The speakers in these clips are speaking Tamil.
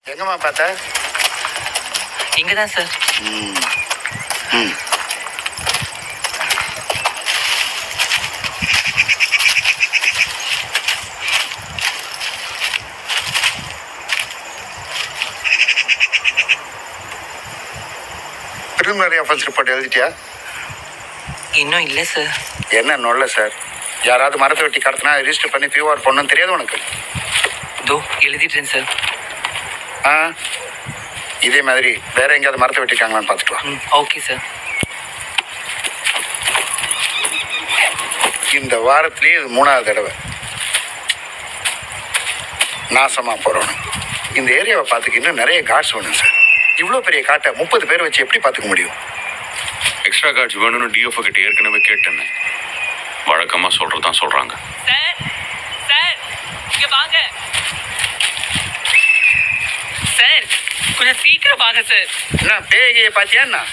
எங்கம்மா பார்த்த? இங்கே தான் சார். பிரிலிமினரி அஃபென்ஸ் ரிப்போர்ட் எழுதிட்டியா? இன்னும் இல்லை சார். என்ன நொல்ல சார்? யாராவது மரத்தை வெட்டி கடத்தினா ரிஜிஸ்டர் பண்ணி பியூஆர் பண்ணணும்னு தெரியாது உனக்கு? இதோ எழுதிட்டேன் சார். ஆ, இதே மாதிரி வேற எங்கேயாவது மரத்தை வெட்டிருக்காங்களான்னு பார்த்துக்கலாம். Okay sir. இந்த வாரத்திலேயே இது 3வது தடவை நாசமா போறோம். இந்த ஏரியாவை பார்த்துக்க இன்னும் நிறைய கார்ட்ஸ் வேணும் சார். இவ்வளோ பெரிய காட்டை 30 பேர் வச்சு எப்படி பார்த்துக்க முடியும்? எக்ஸ்ட்ரா கார்ட்ஸ் வேணும்னு டிஎஃப்ஓ கிட்ட ஏற்கனவே கேட்டேன்னு வழக்கமாக சொல்கிறதான் சொல்கிறாங்க. சார் சார் இங்கே வாங்க சார், கொஞ்சம் சீக்கிரம் வாங்க சார். என்ன பேகையை பார்த்தியா என்ன?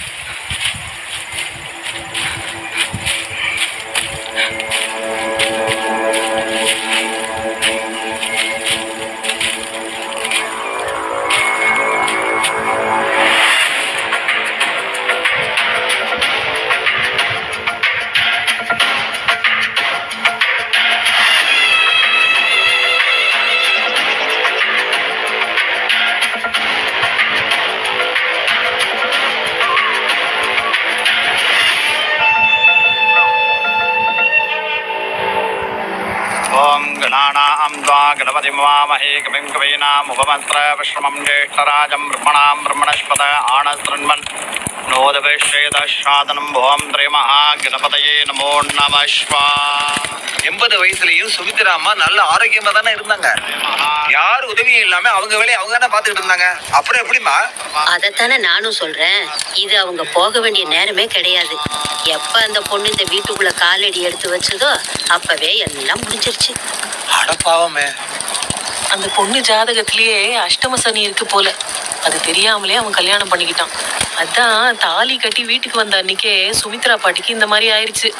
ओम गणानां त्वा गणपतिं वामहे कविं कवीनाम् उपमन्त्रविश्रमं ज्येष्ठराजं ब्रह्मणां ब्रह्मणस्पत आनशृण्वन् नोदभिषेदशादनं भुवं श्रीमहागणपतये नमो नमः शिवाय. 80 வயசுலயும் சுமித்ரா அம்மா நல்ல ஆரோக்கியமா தானே இருந்தாங்க. யார் உதவியும் இல்லாம அவங்க வேலையை அவங்க தானே பாத்துக்கிட்டு இருந்தாங்க. அப்புறம் எப்படிமா? அதைத்தானே நானும் சொல்றேன். இது அவங்க போக வேண்டிய நேரமே கிடையாது. எப்ப அந்த பொண்ணு இந்த வீட்டுக்குள்ள காலடி எடுத்து வச்சதோ அப்பவே எல்லாம் முடிஞ்சிருச்சு. அடப்பாவமே, அந்த பொண்ணு ஜாதகத்திலேயே அஷ்டம சனி இருக்கு போல. அது தெரியாமலே அவன் கல்யாணம் பண்ணிக்கிட்டான். அதான் தாலி கட்டி வீட்டுக்கு வந்த அன்னைக்கே சுமித்ரா பாட்டிக்கு இந்த மாதிரி ஆயிடுச்சு.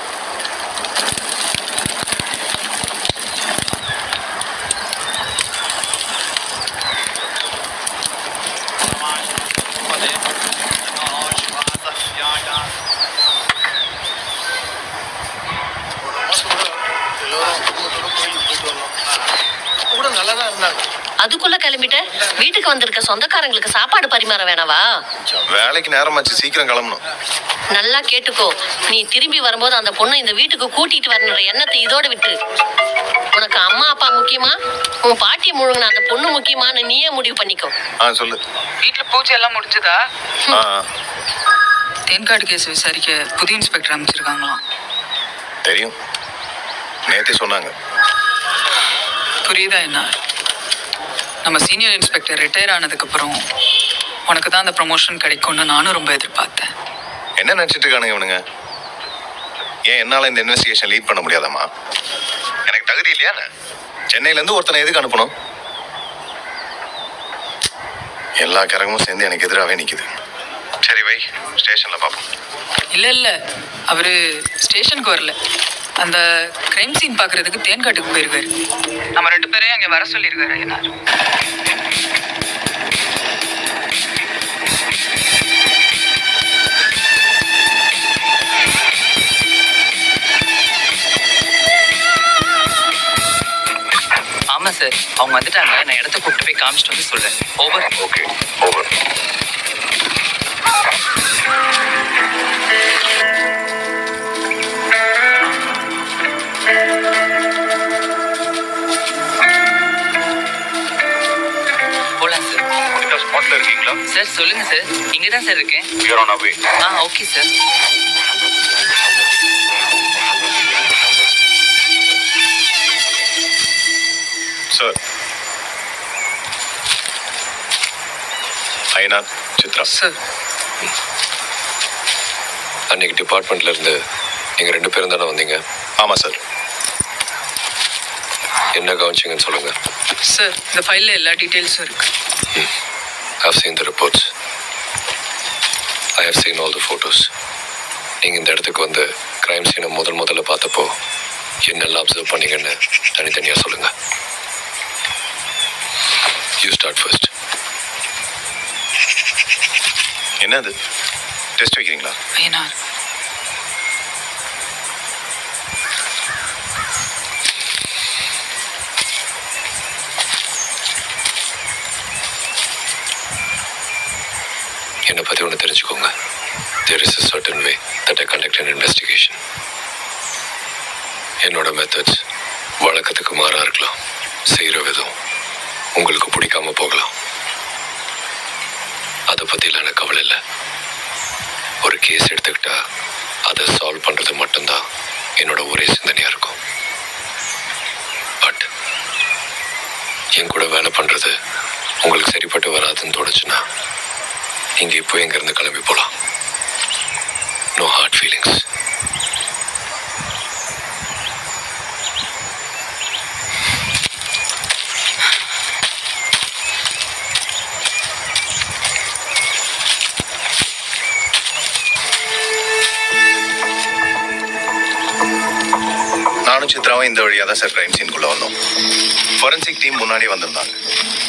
கூட நல்லா தான் இருந்தாங்க. அதுக்குள்ள கிளம்பிட்ட? வீட்டுக்கு வந்திருக்க சொந்தக்காரங்களுக்கு சாப்பாடு பரிமாற வேணாவா? வேலைக்கு நேரமாச்சு, சீக்கிரம் கிளம்பணும். நல்லா கேட்டுக்கோ, நீ திரும்பி வரும்போது அந்த பொண்ணை இந்த வீட்டுக்கு கூட்டிட்டு வரணுன்ற எண்ணத்தை இதோட விட்டு. உனக்கு அம்மா அப்பா முக்கியமா, உன் பாட்டி முழுங்கின அந்த பொண்ணு முக்கியமானு நீயே முடிவு பண்ணிக்கோ. சொல்லு. வீட்டுல பூஜை எல்லாம் முடிஞ்சதா? தேன்காடு கேஸ் விசாரிக்க புதிய இன்ஸ்பெக்டர் அமைச்சிருக்காங்களாம். தெரியும், நேத்தே சொன்னாங்க. புரியுதா என்ன? நம்ம சீனியர் இன்ஸ்பெக்டர் ரிட்டையர் ஆனதுக்கப்புறம் உனக்கு தான் அந்த ப்ரமோஷன் கிடைக்கும்னு நானும் ரொம்ப எதிர்பார்த்தேன். என்ன நினைச்சிட்டு இருக்கானுங்க இவனுங்க? ஏன் என்னால இந்த இன்வெஸ்டிகேஷன் லீட் பண்ண முடியாதாமா? எனக்கு தகுதி இல்லையா? சென்னையிலேருந்து ஒருத்தனை எதுக்கு அனுப்பணும்? எல்லா கரகமும் சேர்ந்து எனக்கு எதிராகவே நிற்குது. சரி வை, ஸ்டேஷனில் பார்ப்போம். இல்லை அவர் ஸ்டேஷனுக்கு வரல. அந்த கிரைம் சீன் பார்க்கறதுக்கு தேன்காட்டுக்கு போயிருக்காரு. நம்ம 2 பேரையும் அங்கே வர சொல்லியிருக்காரு ஐயனார். ஆமாம் சார், அவங்க வந்துட்டாங்க. நான் இடத்த கூப்பிட்டு போய் காமிச்சிட்டு வந்து சொல்கிறேன். ஓவர். Okay, over. போகலாம் சார். ஸ்பாட்டில் இருக்கீங்களா? சார் சொல்லுங்கள் சார். இங்கே தான் சார் இருக்கேன். You're on away. Okay sir. Sir, Ayyanar, Chitra sir, அன்னைக்கு டிபார்ட்மெண்ட்ல இருந்து நீங்க 2 பேரும் தானே வந்தீங்க? ஆமாம் சார். என்ன கவனிச்சிங்கன்னு சொல்லுங்க. சார் இந்த ஃபைலில் எல்லா டீட்டெயில்ஸும் இருக்கு. I've seen the reports. I have seen all the photos. நீங்க இந்த இடத்துக்கு வந்து கிரைம் சீனை முதல்ல பார்த்தப்போ என்னெல்லாம் அப்சர்வ் பண்ணீங்கன்னு தனித்தனியாக சொல்லுங்க. You start first. என்னது டெஸ்ட் வைக்கிறீங்களா? ஐயனார், என்னை பற்றி ஒன்று தெரிஞ்சுக்கோங்க. There is a certain way that I conduct an investigation. என்னோட மெத்தட்ஸ் வழக்கத்துக்கு மாறா இருக்கலாம். செய்கிற விதம் உங்களுக்கு பிடிக்காம போகலாம். அதை பற்றிலாம் எனக்கு கவலை இல்லை. ஒரு கேஸ் எடுத்துக்கிட்டா அதை சால்வ் பண்ணுறது மட்டும்தான் என்னோட ஒரே சிந்தனையாக இருக்கும். பட் என் கூட வேலை பண்ணுறது உங்களுக்கு சரிப்பட்டு வராதுன்னு தோணுச்சுன்னா இங்கே இப்போ எங்கேருந்து கிளம்பி போகலாம். No hard feelings. நானும் சித்ராவும் இந்த வழியாக தான் சார் கிரைம் சீனுக்குள்ளே வந்தோம். ஃபொரன்சிக் டீம் முன்னாடி வந்திருந்தாங்க.